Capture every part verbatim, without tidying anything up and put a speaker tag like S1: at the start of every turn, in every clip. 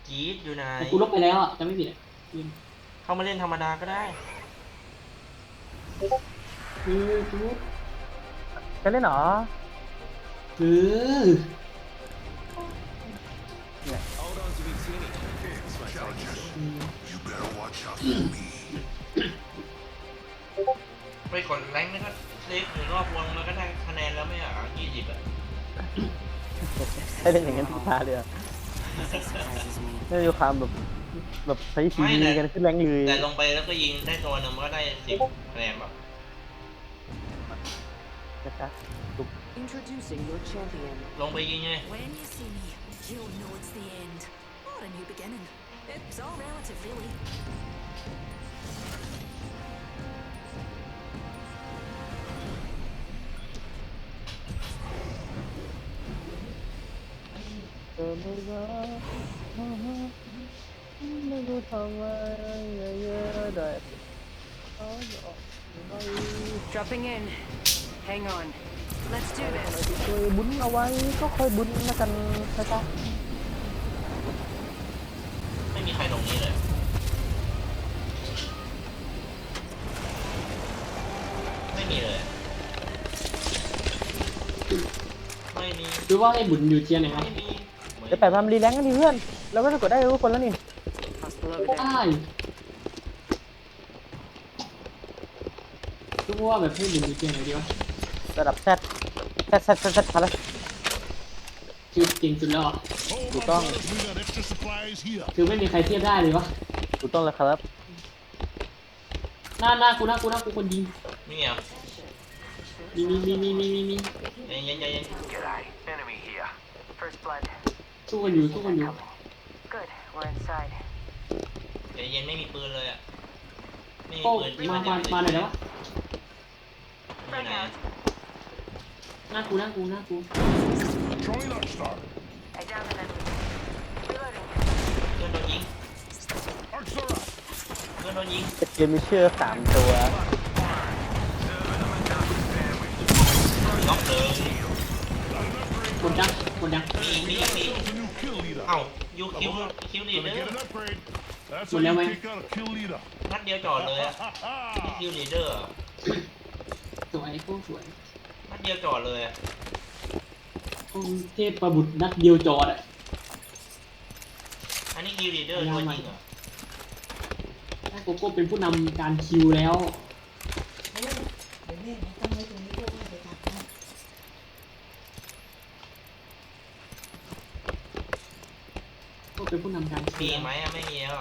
S1: จี๊ดอยู่ไหน
S2: แต่กูลบไปแล้วอ่ะจะไม่ผิดอ่ะ
S1: เข้ามาเล่นธรรมดาก็ได้
S2: คือกู
S3: จะเล่นเหรอ
S2: คือ
S1: ไปกดแรงค์นะครับเล็กหรือรอบวงแล้วก็ได้คะแนนแล้วไม่เหรอยี่สิบอ่ะ
S3: ให้เล่นอย่างนั้นทุกตาเลยไม่มีความแบบแบบใช้ชีวิตกันขึ้นแรงเลย
S1: แต่ลงไปแล้วก็ยิงได้ตัวหนึ่งมันก็ได้สิบคะแนนแบบ
S3: นะครับ
S4: Introducing your champion.
S1: ลงไปยิงไง
S5: When you see me, you'll know it's the end. Or a new beginning. It's all relative, really.
S3: เออไม่รักไม่รู้ทำอะไรเยอะๆได้
S4: Dropping in. Hang on. Let's do this.
S3: เคยบุญเอาไว้ก็ค่อยบุญนะกันนะจ๊ะ
S1: ไม่มีใครลงนี้เลยไม่มีเลยไม่มี
S2: ดูว่าไอ้บุญอยู่เทียร์ไหนครับ
S1: ไม่มี
S3: เดี๋ยวแปะความรีแลงกันดิเพื่อนเราก็จะกดได้ทุกคนแล้วนี่
S4: Hostile over
S2: ได้
S4: there.
S2: ดูว่าแบบให้บุญอยู่เทียร์ไหนดีวะ
S3: ระดับแซดแซดแซดแซดแซดพาร์ท
S2: คือเก่งสุดแล้วอ่ะ
S3: ถูกต้อง
S6: We got extra supplies here.
S2: คือไม่มีใครเทียบได้เลยวะ
S3: ถูกต้องแล้วครับ
S2: หน้าหน้ากูหน้ากูหน้ากูคนยิง
S1: มีเหรอ
S2: มีมีมีมีมีมีมี
S1: ใจเย็นใจเย็น
S7: G'day, enemy here.
S4: First blood.
S2: สู้กันอยู่สู้กันอยู่
S4: Good. We're inside.
S1: ใจเย็นไม่มีปืนเลยอ่ะไม่มี
S2: โอ้
S1: ปืนที่
S2: มา
S1: มัน
S2: มามาหน่อยได้ปะ
S1: อยู่ไหน
S2: หน้ากูหน้ากูหน้ากู
S6: Throwing Arc Star.
S4: I downed an enemy. Reloading.
S1: เพื่อนโดนยิง
S6: Arc Star up.
S1: เพื่อนโดนยิง
S3: เกมมีเชื่อสามตัว
S1: ล็อกเลย
S2: กดดังกดดัง
S1: มีมีมี
S6: Ourselves a new kill leader.
S1: เอ้ายูคิวคิวลีด
S6: Gonna
S1: เดอ
S6: get
S1: ร์
S6: an upgrade. That's
S2: Well,
S6: how
S2: now
S6: you
S2: I-
S6: take out a kill leader.
S1: นัดเดียวจอดเลยอะ
S6: Ha ha
S1: คิวลีดเดอร์
S2: สวยโคตรสวย
S1: นัดเดียวจอดเลยอะ
S2: องค์เทพประบุตรนัดเดียวจอดอ่ะ
S1: อันนี้คิวลีดเดอร์ตัวจริงเหรอ
S2: ถ้าโกโก้เป็นผู้นำการคิวแล้วก็เป็นผู้นำการคิ
S1: มี
S2: ว
S1: ไหมอะไม่มีแล้ว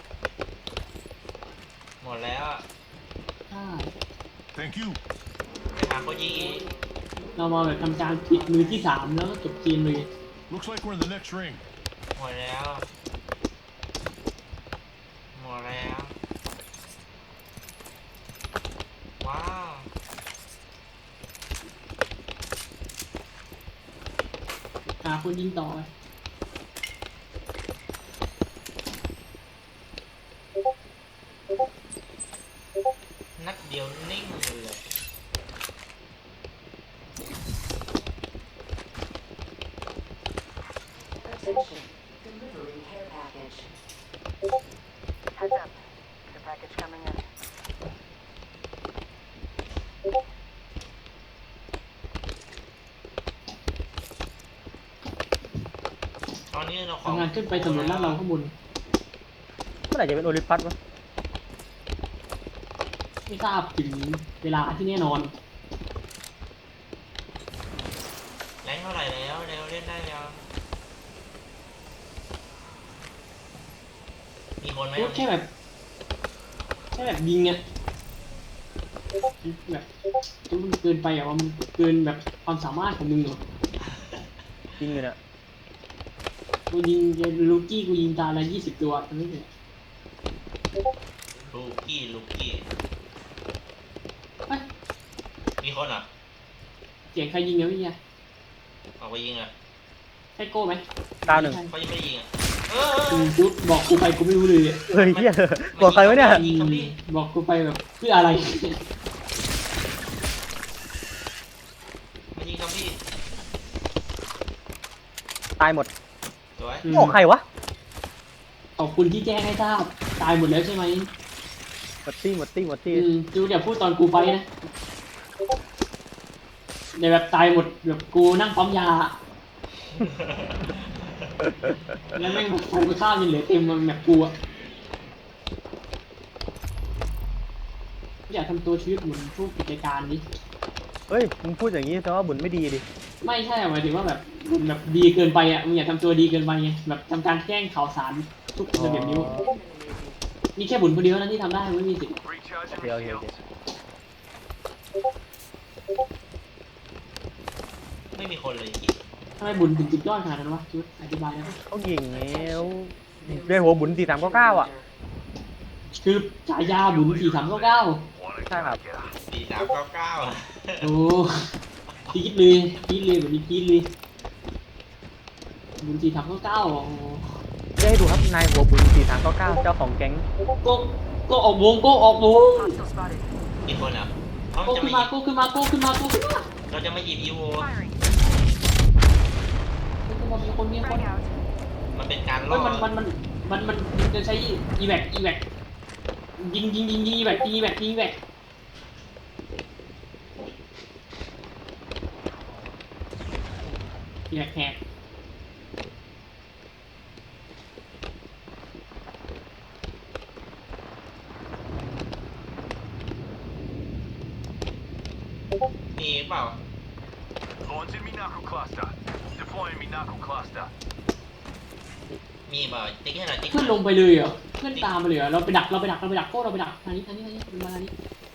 S1: หมดแล้วอะ
S2: ใช่
S6: Thank you.
S1: ไปหาโคจิอีก
S2: เรามาแบบทำการปิดมือที่สามแล้วก็จบเกมเลย
S6: Looks like we're in the next ring.
S1: หมดแล้วหมดแล้วว้าว
S2: หาคนยิงต่อไป
S1: นัดเดียวนิ่งเลย
S4: Attention. Delivering care package. Heads up. Care package coming in.
S1: ตอนนี้เราขอ
S2: ทำงานขึ้นไปสำรวจลาดเราข้างบน
S3: เมื่อไหร่จะเป็นโอลิมปัสวะ
S2: ไม่ทราบถึงเวลาที่แน่นอน
S1: แรงเท่าไหร่แล้วเร็วเล่นได้แล้วมีคนไหม
S2: พูดแค่แบบแค่แบบยิงเนี่ยแบบมันเกินไปอ่ะว่ามันเกินแบบความสามารถของมึงเหรอ
S3: จริงเลยเนี่ย
S2: กูยิงลูกี้กูยิงตาละยี่สิบตัวไม่ใช่
S1: ลูกกี้ลูกกี้
S2: เฮ้ย
S1: มีคนอ่ะ
S2: เสียงใครยิงเนี่ยพี่เนี่ย
S1: ออกไปยิงอ่ะ
S2: ใช่โก้ไหม
S3: ดาวหนึ่ง
S1: เขายังไม่ได้ยิงอ่ะเอ
S2: กู
S1: อ
S2: พูดบอกกูไปกูไม่รู้เลยอะ
S3: เฮ้ยเฮียบอกใครวะเนี่ย
S2: อืมบอกกูไปแบบเพื่ออะไร
S1: มายิงซอมบี้
S3: ตายหมด
S1: สวย
S2: อืม
S3: โอ้ใครวะ
S2: อบคุณที่แจ้งให้ทราบตายหมดแล้วใช่ไหม
S3: หมดตี้หมดตี้หมดตี้
S2: อืมจูอย่าพูดตอนกูไฟนะเดี๋ยวแบบตายหมดแบบกูนั่งปั๊มยาแล้วแม่งทำกับข้าวยังเหลือเต็มมันแบบกูอะอยากทำตัวชีวิตเหมือนพวกกิจการนี้
S3: เฮ้ยมึงพูดอย่างนี้แต่ว่าบุญไม่ดีดิ
S2: ไม่ใช่หมายถึงว่าแบบมันแบบดีเกินไปอ่ะมึงอย่าทำตัวดีเกินไปไงแบบทำการแกล้งข่าวสารทุกระเบียบนิ้วนี่แค่บุญคนเดียวนะที่ทำได้ไม่มีสิทธิ์
S3: โอเคโอเคโอเค
S1: ไม่มีคนเลยอีก
S2: ทำไมบุญถึงจุดยอดขนาดนั้นวะชุดอธิบายได้ไหม
S3: เขายิงแล้วเรียกหัวบุญสี่สามเก้าเก้าอ่ะ
S2: คือฉายาบุญสี่สามเก้าเก้า
S3: ใช่ครับ
S1: สี่สามเก้าเก้า
S2: โอ้พีดเลยพีดเลยแบบนี้พีดเลยบุญสี่สามเก้าเก้าโอ้
S3: เรียกให้ดูครับนายหัวบุญสี่สามเก้าเก้าเจ้าของแก๊ง
S2: ก็ก็ออกวงก็ออกวง
S4: Hostile spotted.
S1: กี่คนอ่ะเขา
S2: ก็
S1: จะ
S2: ขึ้น
S1: มา
S2: มาก็ขึ้นมาก็ขึ้นมาก็ขึ้นมา
S1: เราจะมาหยิบอีโว
S4: Firing.
S2: ก็ขึ้นมามีคนมีคน
S4: Frag out.
S1: มันเป็นการล่
S2: เฮ้
S1: อย
S2: มันมันมันมันมันจะใช้อีแวกอีแวกยิงยิงยิงยิงอีแวกยิงอีแวกยิงอีแวกอีแวกแหก
S1: มีเปล่า
S6: Launching me knuckle cluster. Deploying me knuckle cluster.
S1: มีเปล่าติ๊กให้หน่อยติ๊ก
S2: เพื่อนลงไปเลยเหรอเพื่อนตามไปเลยเหรอเราไปดักเราไปดักเราไปดักโก้เราไปดักทางนี้ทางนี้ทางนี้มาทางนี้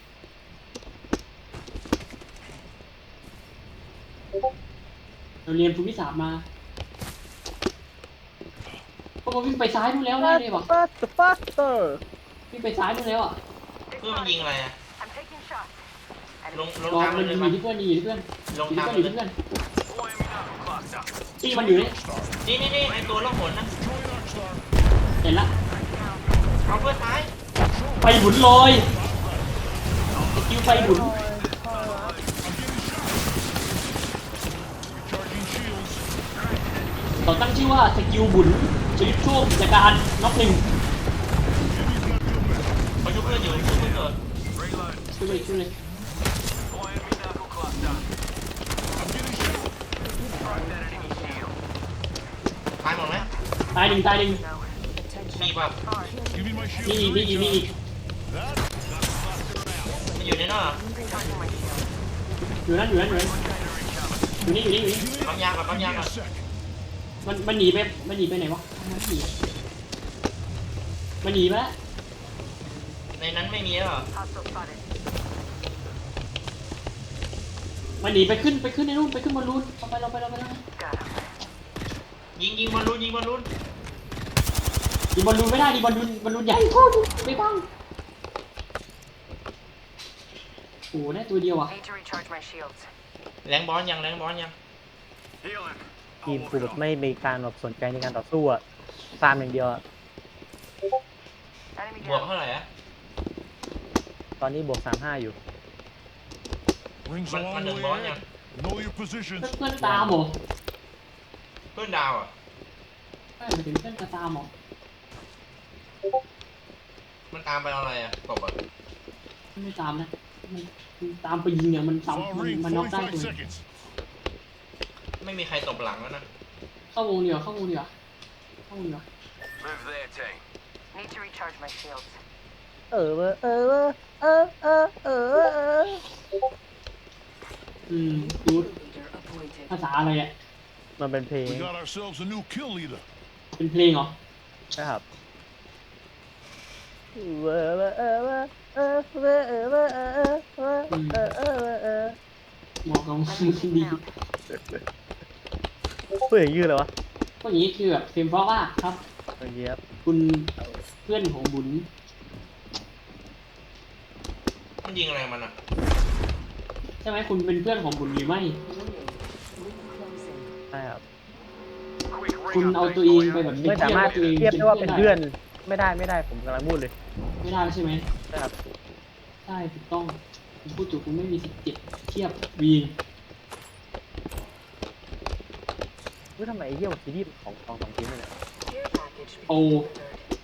S2: เราเรียนภูมิศาสตร์มาพวกเราวิ่งไปซ้ายนู่นแล้วแน่เลยว่ะ
S3: ฟัสต์ฟัสเตอร์
S2: วิ่งไปซ้ายนู่นแล้วอ่ะ
S1: เพื่อนมันยิงอะไรอ่ะ
S4: I'm taking shots.
S1: ลง
S4: Enemy
S1: ลง
S2: ลอง
S1: ทาง
S2: มั
S1: มัน นเลย
S2: อ
S1: มั้
S2: ยู่ที่เพื่อนอยู่ที่เพื่อน
S1: ลง
S2: อยู่
S1: ทาง
S2: ที่
S1: มัน
S2: เพื่อนอ
S1: เล
S2: ยู่
S1: ย
S2: ที่เพื่อน
S6: Deploying me knuckle cluster.
S2: ตีมันอยู่นี่
S1: นี่นี่นี่ไอตัวล่องหนนะ
S6: Deploying arc star.
S2: เห็นละ
S1: เอาเพื่อนท้าย
S2: ไฟหมุนลอยสกิลไฟหมุน
S6: I'm getting shot. Recharging shields.
S2: เขาตั้งชื่อว่าสกิลบุญชลิปโชคกิจการน็อกหนึ่ง
S6: Enemy's not feel better.
S1: เขาชุบเพื่อนอยู่ชุบเพื่อนเกิด
S6: Reload.
S2: ช่วยเลยช่วยเลย
S6: Deploying me knuckle cluster. I'm getting shot. Crack that enemy shield.
S1: ตายหมดไหม
S2: ตายหนึ่งตายหนึ่ง
S1: มีเปล่า
S6: Give me my shield.
S2: มีอีกมีอีกมีอีก
S6: That knuckle cluster out.
S1: มันอยู่ในนอก
S4: Recharging my shield.
S2: อยู่นั่นอยู่นั่นอยู่นั่นอยู่นี่อยู่นี่อยู่นี่
S1: ปั๊มยาก่อนปั๊ม
S6: Give
S1: ยา
S6: me
S1: ก่อน
S6: a sec.
S2: มันมันหนีไปมันหนีไปไหนวะมันหนีมันหนีไปแล้ว
S1: ในนั้นไม่มีแล้วเหรอ
S4: Hostile spotted.
S2: มันหนีไปขึ้นไปขึ้นในนู่นไปขึ้นบอลลูนเราไปเราไปเราไปเรา
S4: Got him.
S1: ยิงยิงบอลลูนยิงบอลลูน
S2: ดีบอลลูนไม่ได้ดีบอลลูนบอลลูนใหญ่โคตรไม่บ้างโอ้โหได้ตัวเดียวอ่ะ
S4: Need to recharge my shields.
S1: แรงบอลยังแรงบอลยัง
S6: Healing.
S3: ทีมกูแบบไม่มีการแบบสนใจในการต่อสู้อะตามอย่างเดียวอะ
S4: Enemy
S1: บวก
S4: down.
S1: เท่าไหร่อะ
S3: ตอนนี้บวกสามห้าอยู่
S6: Rings a
S1: มัน-
S6: long
S1: มันหนึ่ง
S6: way
S1: บอลยัง
S6: ahead. Know your positions.
S2: เพื่อนตามเหรอ
S1: เพื่อนดาวอ่ะ
S2: ไม่ไปถึงเพื่อนจะตามเหรอ
S1: มันตามไปเอาอะไรอ่ะตบอ่ะ
S2: ไม่ตามนะมันตามไปยิงเนี่ยมัน
S6: Far
S2: ซ้ำมัน
S6: ring.
S2: มันน็อกได้
S6: forty-five
S2: ตัว
S6: seconds.
S1: ไม่มีใครตบหลังแล้วนะ
S2: เข้าวงเดียวเข้าวงเดียวเข้าวงเดียว
S6: Move there, tank.
S4: Need to recharge my shields.
S3: เออเออเออเออเออเออเออ
S2: อืมดูภาษาอะไรอ่ะ
S3: มันเป็นเพลง
S6: We got ourselves a new kill leader.
S2: เป็นเพลงเหรอ
S3: นะครับเออเออเออเออเออเออเออเออเออเออเออเออเออ
S2: เหมาะกับมึงดี
S3: พูดอย่างยืดเลยวะ
S2: ก็อย่างนี้คือแบบเพลงเพราะว่าครับ
S3: อย่างเงี้ยครับ
S2: คุณเพื่อนของบุญ
S1: มันยิงอะไรมันอ่ะ
S2: ใช่ไหมคุณเป็นเพื่อนของบุญหรือไม่
S3: ใช่ครับ
S6: Quick
S2: คุณ
S6: ring
S2: เอา
S6: up,
S2: ตัวเอง
S6: boy.
S2: ไปแบบ
S3: ไม่สามารถ
S2: ตัวเอง
S3: เทียบได้ว่าเป็นเพื่อนไม่ได้ไม่ได้ผมกำลังพูดเลย
S2: ไม่ได้ใช่ไหม
S3: ใช่ครับ
S2: ใช่ถูกต้องคุณพูดถูกคุณไม่มีสิทธิ์เจ็บเทียบวีน
S3: ว่าทำไมไอ้เหี้ยซีรีส์ของของสองทีมเนี่ย
S4: Care package.
S2: โอ
S4: delivered.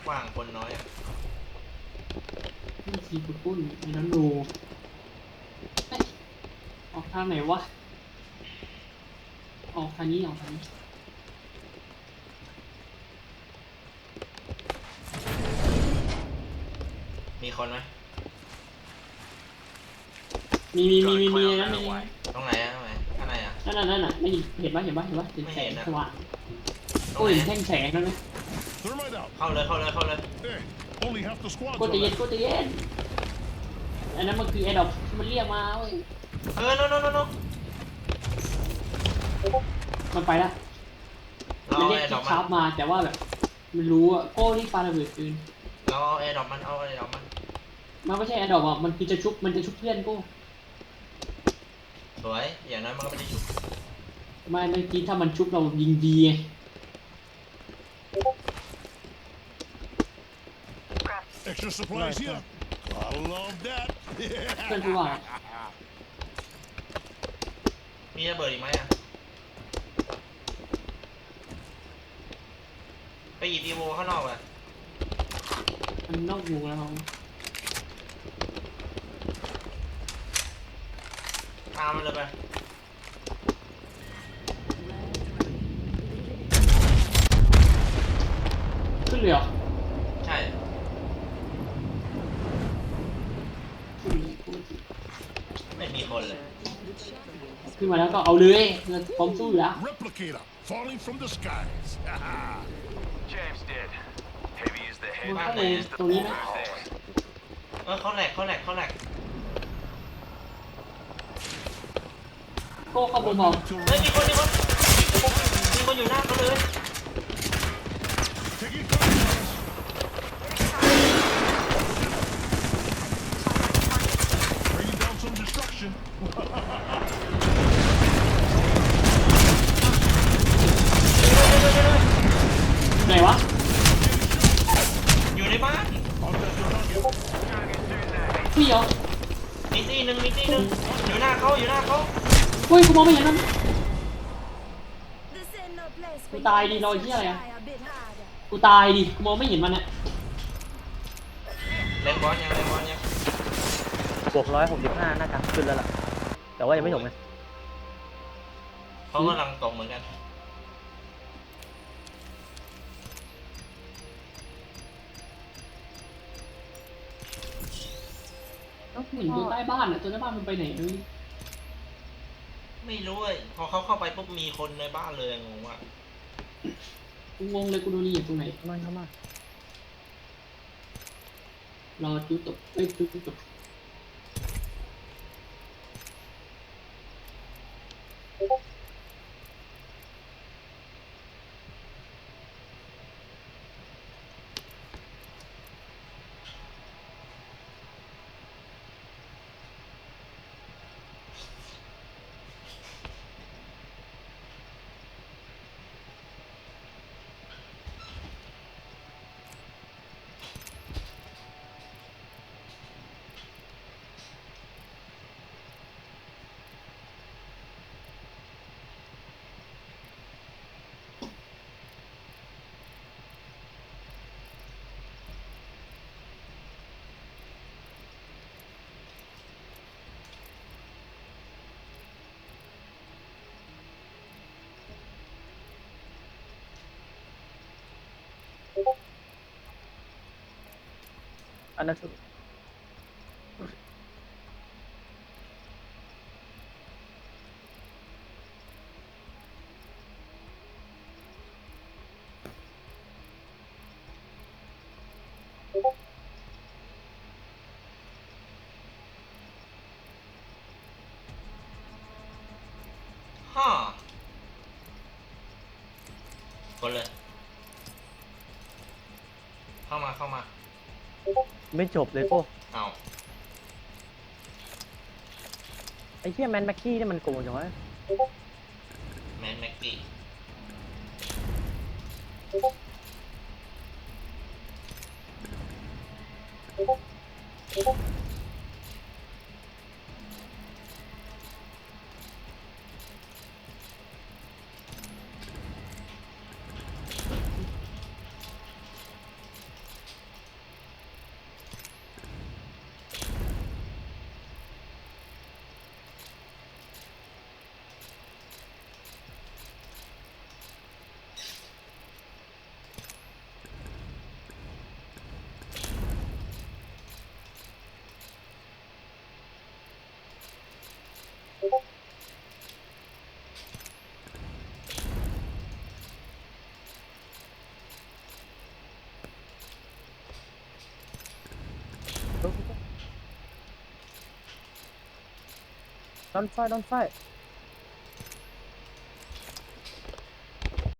S1: ว้างคนน้อยอ่ะ
S2: นี่ทีปุ้นปุ้นไอ้น้องดูเอ้ยออกทางไหนวะออกทางนี้ออกทางนี้
S1: มีคนไหม
S2: มีมีมีมีมีในนั้นมี
S1: ตรงไหนอะตรงไหนข้างในอ่ะ
S2: นั่นน่ะนั่นน่ะไม่เห็นเห็นปะเห็นปะเห็นปะเห็นแสงสว่าง
S1: ตร
S2: โอ้
S1: ง
S2: ย
S1: ไหน
S2: เห็นแท่งแสงนั่นไหม
S6: Thermite out.
S1: เข้าเลยเข้าเลยเข้าเลย
S6: Hey, only half the squad's
S2: กู
S6: on
S2: จะเย็น
S6: that.
S2: กูจะเย็นอันนั้นมันคือไอ้ดอกที่มันเรียกมาเว้ย
S1: เออโน่นโน่นโน่น
S2: มันไปละ
S1: เรา
S2: มัน
S1: เอา
S2: เรียก
S1: แอร์ดรอป
S2: ชา
S1: มัน
S2: ร์ปมาแต่ว่าแบบมันรู้อะโก้ที่ปาระเบิดปืน
S1: เราเอาแอร์ดรอปมันเอาแอร์ดรอปมัน
S2: มันไม่ใช่ไอ้ดอกอ่ะมันคือจะชุบมันจะชุบเพื่อนกู
S1: สวยอย่างนั้นมันก็ไม่ได้ชุบ
S2: ไม่เมื่อกี้ถ้ามันชุบเรายิงดีไง
S6: Extra supplies here. I love that.
S2: เพื่อนกูว่า
S1: มีระเบิดอีกไหมอ่ะไปหยิบอีโวข้างนอกเลย
S2: มันนอกวงแล้วเรา
S1: ตามมันเลยไป
S2: ขึ้นเลยเหรอ
S1: ใช่
S2: ขึ้นเลย
S1: ไม่มีคนเลย
S2: ขึ้นมาแล้วก็เอาเลยเราพร้อมสู้อยู่แล้ว
S6: Replicator falling from the skies.
S7: James did. Heavy is the
S2: มัน
S7: head.
S2: เข้าในตรงนี้ไหม
S1: เออเขาแหลกเขาแหลกเขาแหลก
S2: โก้เข้าบนบอก
S1: เฮ้ยมีคนมีคนมีคนอยู่หน้าเขาเลย
S6: Taking fire. Bringing down some destruction.
S2: ไหนวะ
S1: อยู่ในบ้าน
S6: On that target.
S2: พี่เหรอ
S1: มีตีหนึ่งมีตีหนึ่งอยู่หน้าเขาอยู่หน้าเขา
S2: เฮ้ยกูมองไม่เห็นมัน
S5: This ain't no place
S2: กู
S5: for
S2: ตาย
S5: you
S2: ดิ
S5: to
S2: รอยที่อะไรอะ
S5: try a bit harder.
S2: กูตายดิกูมองไม่เห็นมันอะ
S1: เล่นบอลยังเล่นบอลยัง
S3: บวกร้อยหกสิบห้าน่าจะขึ้นแล้วล่ะ แต่ว่ายังไม่จบไง
S1: เขากำลังตกเหมือนกัน
S2: แล้วเห็นตัวใต้บ้านอะตัวใต้บ้านมันไปไหนเลย
S1: ไม่รู้เลยพอเขาเข้าไปปุ๊บมีคนในบ้านเลยงงว่า
S2: กูงงเลยกูโดนนี่อยู่ตรงไหน
S3: เข้ามาเข้ามาร
S2: อจุดตกเอ้ยจุดตก
S3: อันนั้นสุด
S1: ฮ่าคนเลย เข้ามาเข้ามา
S3: ไม่จบเลยโป้
S1: เอา
S3: ไอ้เหี้ยแมนแม็กกี้นี่มันโกงจังวะ
S1: แมนแม็กกี้
S3: Don't fight, don't fight.